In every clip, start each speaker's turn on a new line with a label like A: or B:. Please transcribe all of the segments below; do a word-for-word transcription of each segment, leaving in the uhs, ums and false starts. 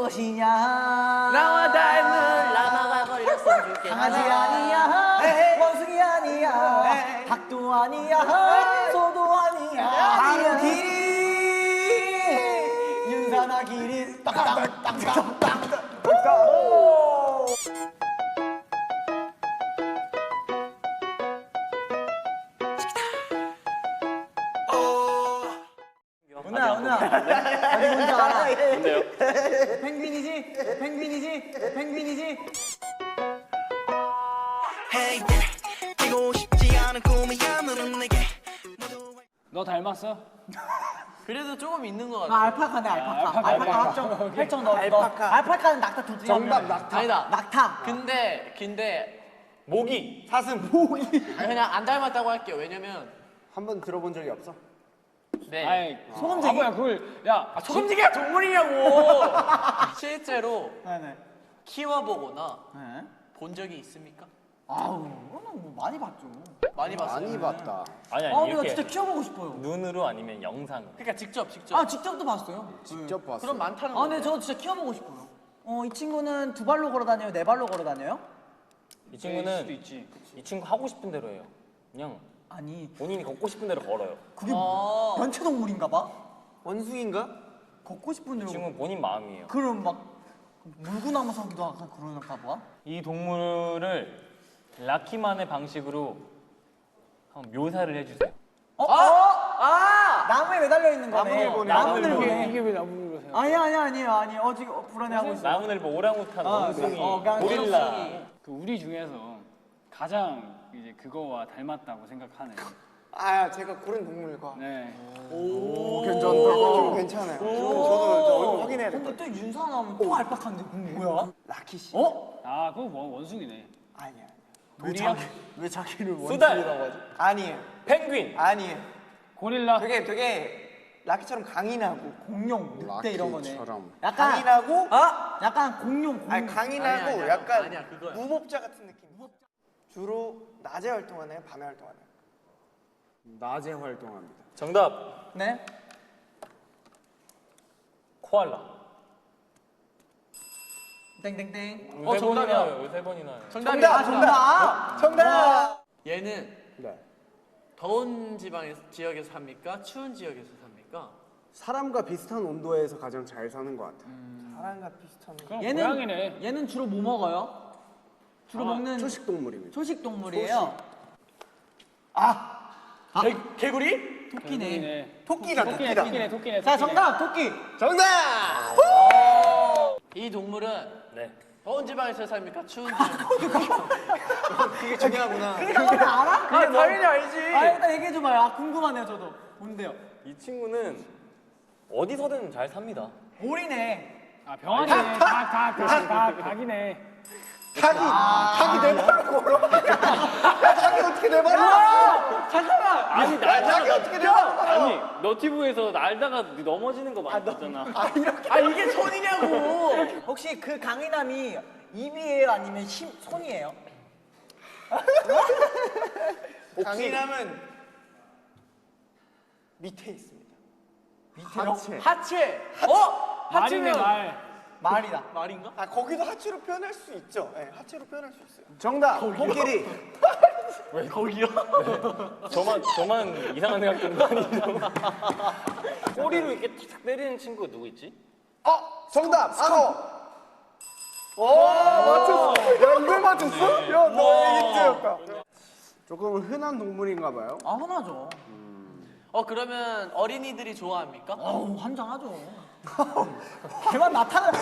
A: 것이냐
B: 나와 닮은 라마가 걸렸으면 좋겠다.
A: 강아지 아니야 원숭이 아니야 닭도 아니야 소도 아니야 바로 기린 윤사나 기린 땅땅땅땅땅 은하 은하 어디 뭔지 알아?
B: 뭔데요?
A: 펭귄이지? 펭귄이지? 펭귄이지?
C: 너 닮았어?
B: 그래도 조금 있는 것
A: 나
B: 같아.
A: 알파카네 알파카.
C: 알파카,
A: 알파카
C: 알파카.
A: 합정 혈정 넣어.
D: 알파카.
A: 알파카는 낙타 둘 중에 한 명.
D: 정답 낙타.
B: 아니다.
A: 낙타.
B: 근데 근데
D: 모기. 사슴 모기.
B: 아니, 그냥 안 닮았다고 할게요. 왜냐면
D: 한 번 들어본 적이 없어?
B: 네.
C: 아이
A: 소금쟁이.
C: 바보야 그걸 야
B: 아, 소금지기가 동물이냐고. 실제로
A: 네네.
B: 키워보거나
A: 네.
B: 본 적이 있습니까?
A: 아우, 그거는 뭐 많이 봤죠.
B: 많이 봤어요.
D: 많이 봤다.
E: 아니
A: 아,
E: 아니
A: 근데 나
E: 이렇게
A: 진짜 키워보고 싶어요.
E: 눈으로 아니면 영상.
B: 그러니까 직접 직접.
A: 아, 직접도 봤어요.
D: 직접 봤어.
B: 그럼 많다는
A: 아,
B: 거.
A: 근데 저 진짜 키워보고 싶어요. 어, 이 친구는 두 발로 걸어 다녀요? 네 발로 걸어 다녀요?
E: 이
C: 수도
E: 친구는
C: 있지.
E: 이 친구 하고 싶은 대로 해요. 그냥
A: 아니,
E: 본인이 걷고 싶은 대로 걸어요.
A: 그게
B: 아.
A: 연체동물인가 봐?
D: 원숭인가?
A: 걷고 싶은
E: 이
A: 대로.
E: 친구는 본인 마음이에요.
A: 그럼 막 물구나무 서기도 하고 그러는가 봐?
E: 이 동물을 라키만의 방식으로 한번 묘사를 해주세요.
A: 어?
B: 아!
A: 어?
B: 아!
A: 나무에 매달려 있는 거네.
D: 나무늘보네.
A: 나무늘보네.
C: 이게 왜 나무를 생각?
A: 아니야, 아니야, 아니에요. 아니에요. 어, 지금 불안해하고 있어.
E: 나무늘보, 오랑우탄,
A: 아,
E: 원숭이,
A: 어, 그냥
E: 고릴라.
C: 그 우리 중에서 가장 이제 그거와 닮았다고 생각하는.
D: 아 제가 고른 동물과.
C: 네.
D: 오 괜찮다. 좀 괜찮아요. 저도 저 얼굴 확인해야 될 것
A: 근데
D: 같아요.
A: 또 윤사 나오면 또 알파카인데 그건 뭐야?
D: 라키 씨.
A: 어?
C: 아 그거 뭐 원숭이네.
D: 아니야.
A: 왜 자기 왜 자기를
E: 수달.
A: 원숭이라고 하지?
D: 아니에요.
E: 펭귄.
D: 아니에요.
C: 고릴라.
D: 되게 되게 라키처럼 강인하고.
A: 공룡, 늑대 이런 거네.
D: 라키처럼.
A: 약간
D: 강인하고.
A: 아, 약간 공룡, 공룡.
D: 아니 강인하고
B: 아니야, 아니야.
D: 약간
B: 아니야, 그거야.
D: 무법자 같은 느낌. 주로 낮에 활동하나요? 밤에 활동하나요? 낮에 활동합니다.
E: 정답.
A: 네?
E: 코알라.
A: 땡땡땡.
B: 어,
E: 세 번이나
B: 정답이야.
E: 해요, 세 번이나 해요.
B: 정답이야.
A: 아, 정답.
D: 정답.
B: 얘는
D: 네.
B: 더운 지방에 지역에서 삽니까? 추운 지역에서 삽니까?
F: 사람과 비슷한 온도에서 가장 잘 사는 것 같아요.
D: 사람과 비슷한.
C: 그럼
A: 얘는
C: 고양이네.
A: 얘는 주로 뭐 먹어요? 주로 먹는
F: 초식 동물입니다.
A: 초식 동물이에요.
B: 개, 개구리?
A: 토끼네.
C: 개구리네.
D: 토끼다
C: 토끼네
D: 토끼다.
C: 토끼네 토끼네.
A: 자,
C: 토끼네.
A: 정답 토끼.
D: 정답.
B: 이 동물은
E: 네.
B: 더운 지방에서 삽니까? 추운 지방에서
D: 그게 중요하구나.
A: 그거는 알아?
B: 아, 당연히 알지.
A: 아, 일단 얘기해 줘봐요. 아, 궁금하네요, 저도. 뭔데요?
E: 이 친구는 어디서든 잘 삽니다.
A: 오리네.
C: 아 병아리네. 닭닭닭닭 닭이네.
D: 닭이 닭이 내 발로 걸어. 야, 닭이 어떻게 내 발로?
A: 잠깐만.
E: 아니
D: 닭이 어떻게 내 발로 걸어?
E: 아니 너티브에서 날다가 넘어지는 거 많이 봤잖아.
B: 아, 이게 손이냐고.
A: 혹시 그 강인함이 입이에요, 아니면 힘, 손이에요?
D: 강인함은 밑에 있습니다.
F: 하체.
B: 하체. 어?
C: 말이네
B: 하체면
C: 말.
A: 말이다.
B: 말인가?
D: 아 거기도 하체로 표현할 수 있죠. 네, 하체로 표현할 수 있어요.
F: 정답. 코끼리.
B: 왜 거기요?
E: 저만 저만 이상한 생각 드는 거 아니죠? 꼬리로 이렇게 탁 때리는 친구가 누구 있지?
D: 어 정답. 악어. 오 맞췄어. 야 이걸 맞췄어? 야너 힌트였다.
F: 조금 흔한 동물인가 봐요.
A: 아, 흔하죠.
B: 어, 그러면 어린이들이 좋아합니까?
A: 어우, 환장하죠. 걔만 나타나.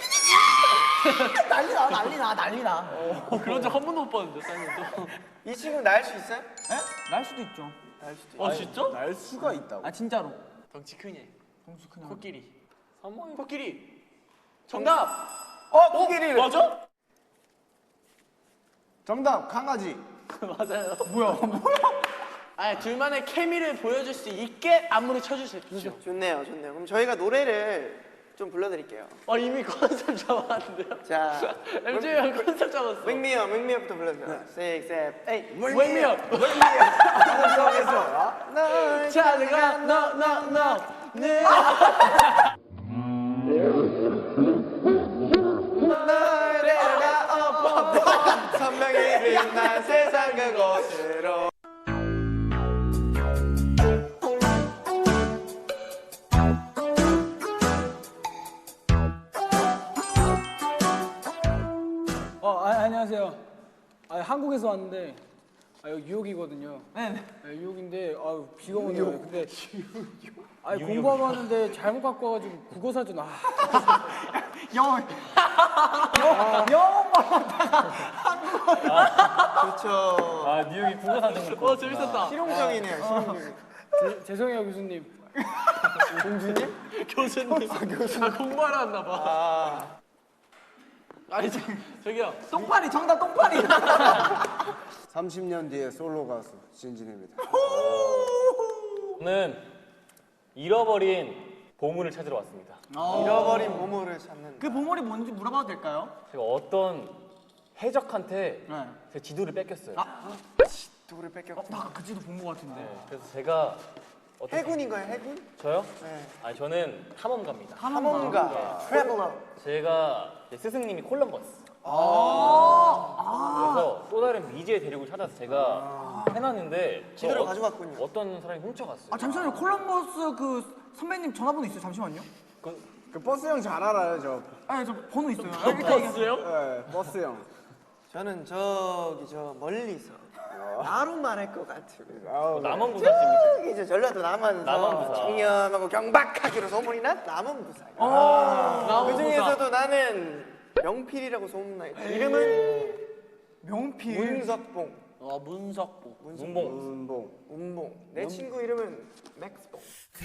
A: 난리나, 난리나, 난리나.
B: 어, 그런 적 한 번도 못 봤는데, 사장님도.
D: 이 친구 날 수 있어요?
A: 에? 날 수도 있죠.
D: 날 수도 있어.
B: 어, 진짜?
F: 날 수가 있다고.
A: 아, 진짜로.
B: 덩치 크니.
A: 동수 그냥.
B: 코끼리. 코끼리. 정답.
D: 어 코끼리.
B: 맞아?
F: 정답. 강아지.
B: 맞아요.
A: 뭐야?
B: 아니, 둘만의 케미를 보여줄 수 있게 안무를 쳐주세요.
D: 좋네요, 좋네요. 그럼 저희가 노래를 좀 불러드릴게요.
B: 어, 이미 컨셉 잡았는데요?
D: 자,
B: 엠제이 형 컨셉 잡았어.
D: 맹미어, 맹미어부터 불러주세요. Six, seven, eight.
B: 맹미어.
D: 방송에서 널
B: 찾아가, 너, 너, 너. 네.
D: 끝난 세상 그곳으로.
C: 어, 아, 안녕하세요. 아, 한국에서 왔는데 아, 여기 뉴욕이거든요. 네. 뉴욕인데 아, 비가 오네요. 근데 아, 공부하고 왔는데 잘못 갖고 와가지고 국어 사전 아.
A: 영어 영어
D: 그렇죠.
E: 아 뉴욕이 국어 사전
B: 어 재밌었다.
D: 실용적이네요. 실용적인.
C: 제, 죄송해요 교수님.
B: 교수님. 아, 공부하러 왔나 봐.
D: 아,
B: 아니 저, 저기요.
A: 똥파리 정답 똥파리.
F: 삼십 년 뒤에 솔로 가수 진진입니다.
E: 저는 잃어버린 보물을 찾으러 왔습니다.
D: 잃어버린 보물을 찾는.
A: 그 보물이 뭔지 물어봐도 될까요?
E: 제가 어떤 해적한테
A: 네.
E: 제 지도를 뺏겼어요.
D: 누구를 뺏겼고.
A: 나 그 지도 본 것 같은데.
E: 네, 그래서 제가 어떤
D: 해군인가요? 해군?
E: 저요?
D: 네.
E: 아니 저는 탐험가입니다.
D: 탐험가. 트래블러.
E: 제가 제 스승님이 콜럼버스.
A: 아.
E: 그래서 또 다른 미지의 대륙을 찾아서 제가 해놨는데
D: 지도를
E: 저 어-
D: 가져갔군요.
E: 어떤 사람이 훔쳐갔어요.
A: 아 잠시만요. 콜럼버스 그 선배님 전화번호 있어요? 잠시만요.
F: 그 버스 형 잘 알아요, 저.
A: 아 저 번호 있어요. 아, 일단 얘기해.
B: 버스요?
F: 네, 버스 형.
D: 저는 저기 저 멀리서 나로 말할 것 같은.
F: 아우,
E: 남원부사십니까?
D: 저기 저 전라도 남한에서
E: 남원부사.
D: 청렴하고 경박하기로 소문이 난 남원부사.
B: 아,
D: 그 중에서도 나는 명필이라고 소문나 있다. 이름은
A: 명필.
D: 문석봉.
B: 어 문석보.
E: 문봉.
F: 운봉.
D: 문봉. 내 친구 이름은 맥스봉.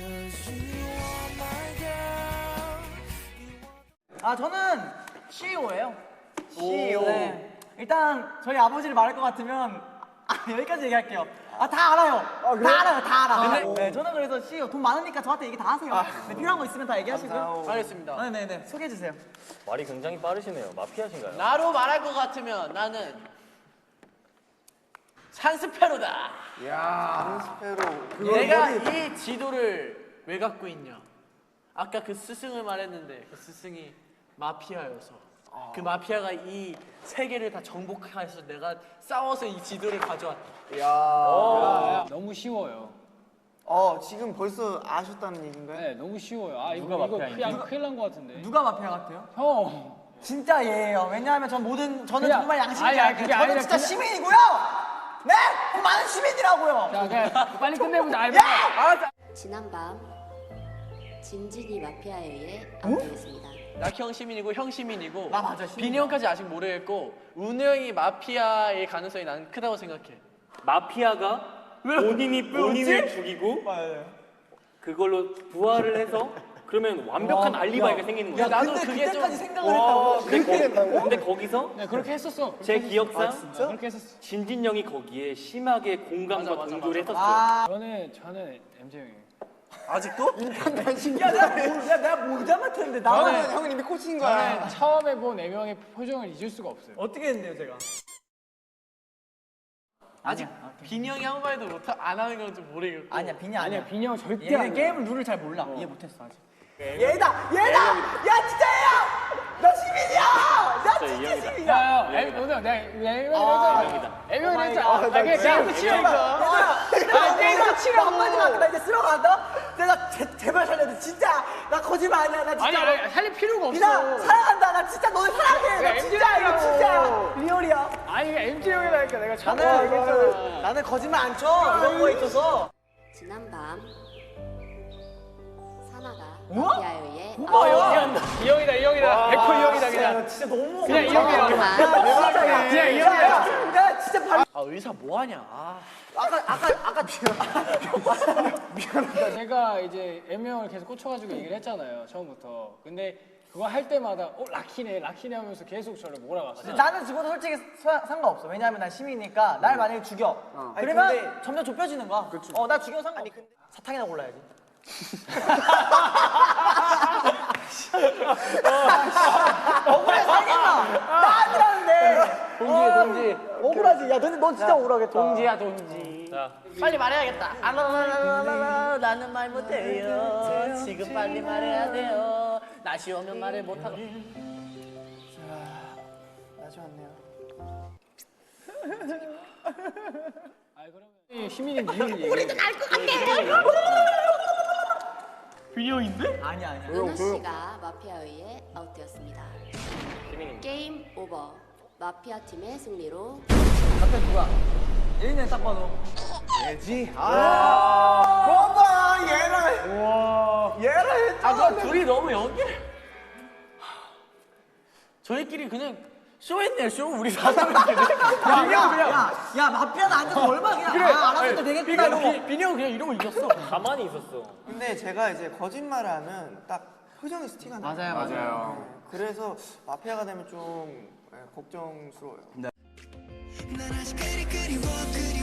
A: 아 저는 씨이오예요.
D: 씨이오.
A: 네. 일단 저희 아버지를 말할 것 같으면 아, 여기까지 얘기할게요. 아 다 알아요. 다 알아요. 다 알아. 네, 저는 그래서 씨이오 돈 많으니까 저한테 얘기 다 하세요. 네, 필요한 거 있으면 다 얘기하시고요.
D: 감사합니다.
B: 알겠습니다.
A: 네네네 소개해 주세요.
E: 말이 굉장히 빠르시네요. 마피아신가요?
B: 나로 말할 것 같으면 나는 산스페로다.
D: 스페로.
B: 내가 이 지도를 왜 갖고 있냐? 아까 그 스승을 말했는데 그 스승이 마피아여서 그 마피아가 이 세계를 다 정복해서 내가 싸워서 이 지도를 가져왔다.
C: 아, 너무 쉬워요.
D: 어 지금 벌써 아셨다는 얘기인가요?
C: 네, 너무 쉬워요. 아 이거
E: 누가
C: 이거
E: 마피아인지?
C: 큰일, 큰일 난 것 같은데.
A: 누가 마피아 같아요?
C: 형.
A: 진짜 얘예요. 왜냐하면 전 모든 저는
C: 그냥-
A: 정말 양심이
C: 아니, 아니,
A: 게
C: 그게
A: 저는
C: 아니라
A: 진짜
C: 그냥-
A: 시민이고요. 네, 돈 많은 시민이라고요.
C: 자, 그냥 빨리 끝내보자. 아,
G: 지난밤 진진이 마피아에 의해 압도됐습니다.
B: 낙형 시민이고 형 시민이고
A: 나 맞아, 시민이야.
B: 빈이 형까지 아직 모르겠고 운우 형이 마피아의 가능성이 난 크다고 생각해.
E: 마피아가 본인이 본인을 죽이고 그걸로 부활을 해서 그러면 완벽한 알리바이가 생기는 거예요.
A: 야,
B: 나도
A: 근데
B: 그게
A: 그때까지
B: 좀-
A: 생각을 했다고?
E: 근데, 거, 근데 거기서
C: 네, 그렇게 했었어.
E: 제 기억상
C: 네, 그렇게 했었어.
E: 진진 형이 거기에 심하게 공감과
B: 맞아, 맞아,
E: 동조를
B: 맞아.
E: 했었어요.
A: 아,
C: 저는 저는 엠제 형이에요.
D: 아직도?
A: 야, 내가 뭐, 야, 내가 뭐 잘못했는데 나는
D: 나는 형은 이미 꽂힌 거야.
C: 저는 처음에 본 애명의 표정을 잊을 수가 없어요.
A: 어떻게 했는데요, 제가?
B: 아직 빈이 형이 아무 말도 못 안 하는 건 좀 모르겠고.
A: 아니야, 빈이
C: 아니야,
A: 아니야.
C: 빈이 형 절대
A: 얘는
C: 안
A: 게임 룰을 잘 몰라. 이해 못했어 아직. 얘다, 얘다. 야, 진짜 얘야. 나 시민이야. 나 진짜
E: 이형이다.
A: 시민이야.
C: 야, 야, 엠, 오늘 내가 애명이라
E: 애명이다.
C: 했잖아. 애명이라 했잖아. 아, 그냥 게임도 치라니까.
A: 아, 게임도 치러 한마디만 나 이제 쓰러 간다. 내가 제, 제발 살려줘. 진짜 나 거짓말 아니야. 나
C: 아니,
A: 진짜.
C: 아니, 살릴 필요가
A: 그냥
C: 없어.
A: 사랑한다. 나 진짜 너를 사랑해. 나
C: 야,
A: 진짜 이거 진짜 리얼이야.
C: 아니, 엠제 형이라니까 내가 처음에
A: 나는
C: 얘기했잖아.
A: 나는 거짓말 안 쳐. 이런 거에 있어서.
G: 지난밤 사나가
A: 어?
G: 마피아에 의해
C: 어,
G: 압도됐습니다.
C: 형이다. 이 형이다, 이 형이다. 백 퍼센트 이 형이다, 그냥.
A: 진짜 너무.
C: 그냥 이 형이야.
G: 하지만
A: 대박이야.
C: 그냥 이
A: 야,
C: 형이야.
A: 야, 야, 진짜 발.
B: 아 의사 뭐 하냐? 아.
A: 아까 아까 아까
C: 제가 이제 애명을 계속 꽂혀가지고 얘기를 했잖아요, 처음부터. 근데 그거 할 때마다 어 라키네, 라키네 하면서 계속 저를 몰아갔어요.
A: 나는 죽어도 솔직히 사- 상관없어. 왜냐하면 난 시민이니까 날 만약에 죽여.
D: 아니,
A: 그러면
D: 근데-
A: 점점 좁혀지는 거야. 어, 나 죽여 상관없어. 사탕이나 골라야지. 억울해 살겠나? 나 아니라는데.
B: 동지야 동지.
A: 억울하지. 야, 근데 넌 진짜 억울하겠다.
B: 동지야 동지.
E: 자,
B: 빨리 말해야겠다. 아라라라라라 나는 말 못해요. 지금 빨리 말해야 돼요. 날씨 오면 말을 못하고.
D: 나지 않네요.
C: 아 그러면 희민이 이유를 얘기해.
B: 비형인데?
A: 아니야 아니야.
G: 은호 씨가 마피아에 의해 아웃되었습니다. 게임 오버. 마피아 팀의 승리로
A: 갑자기 누가? 예인이 딱 봐도.
D: 예지. 아. 거봐 얘를. 와. 얘를 했잖아.
B: 아, 그 둘이 너무 연기를. 저희끼리 그냥 쇼했네요, 쇼. 우리 사람들끼리.
A: 야야야 야 마피아는 앉아서 얼마나 그냥
B: 그래.
A: 아, 알았을 때 되겠구나 이러고.
B: 비- 빈이 형 그냥 이러고 이겼어.
E: 가만히 있었어.
D: 근데 제가 이제 거짓말을 하면 딱 표정에서 티가 나요.
A: 맞아요 맞아요.
D: 네, 그래서 마피아가 되면 좀 네, 걱정스러워요.
H: 난 아직 그리 그리워 그리